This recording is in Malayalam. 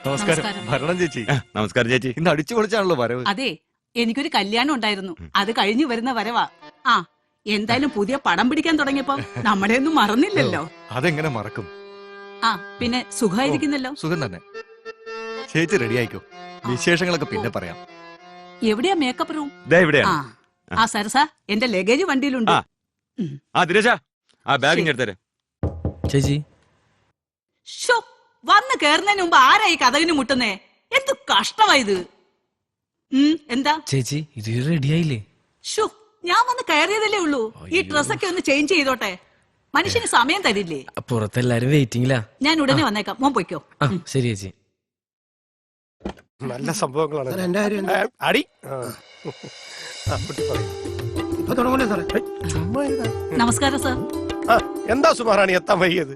നമസ്കാരം. ഭരണം ചേച്ചി. നമസ്കാരം ചേച്ചി. ഇന്ന് അടിച്ചു പൊളിച്ചാണല്ലോ വരവ്. അതെ, എനിക്കൊരു കല്യാണം ഉണ്ടായിരുന്നു. അത് കഴിഞ്ഞു വരുന്ന വരവാ. ആ, എന്തായാലും പുതിയ പടം പിടിക്കാൻ തുടങ്ങിയപ്പോ നമ്മളെ ഒന്നും മറന്നില്ലല്ലോ. അതെങ്ങനെ മറക്കും? ആ, പിന്നെ സുഖമായിരിക്കുന്നല്ലോ. സുഖം തന്നെ. ചേച്ചി റെഡി ആയിക്കോ, വിശേഷങ്ങളൊക്കെ പിന്നെ പറയാം. എവിടെയാ മേക്കപ്പ് റൂം? ദേ ഇവിടെയാണ്. ആ സരസ, എന്റെ ലഗേജ് വണ്ടിയിലുണ്ട്. ദിനേശ, ആ ബാഗ് ഇങ്ങ് എടുത്തരാം. ചേച്ചി ഷോ, വന്ന് കേറുന്നതിന് മുമ്പ് ആരായി കഥകിന് മുട്ടുന്നേ? എന്ത് കഷ്ടമായത്. എന്താ ചേച്ചി ഇത് റെഡിയായില്ലേ? ഷോ, ഞാൻ വന്ന് കയറിയതല്ലേ ഉള്ളൂ. ഈ ഡ്രസ്സൊക്കെ ഒന്ന് ചേഞ്ച് ചെയ്തോട്ടെ. മനുഷ്യന് സമയം തരില്ലേ? പുറത്തെല്ലാരും വെയിറ്റിംഗിലാ. ഞാൻ ഉടനെ വന്നേക്കാം, മോൻ പൊയ്ക്കോ. ശരി ചേച്ചി. നല്ല സംഭവങ്ങളാണ്. അടി നമസ്കാരം സാർ. എന്താ സുമാറാണി എത്താൻ വൈകിയത്?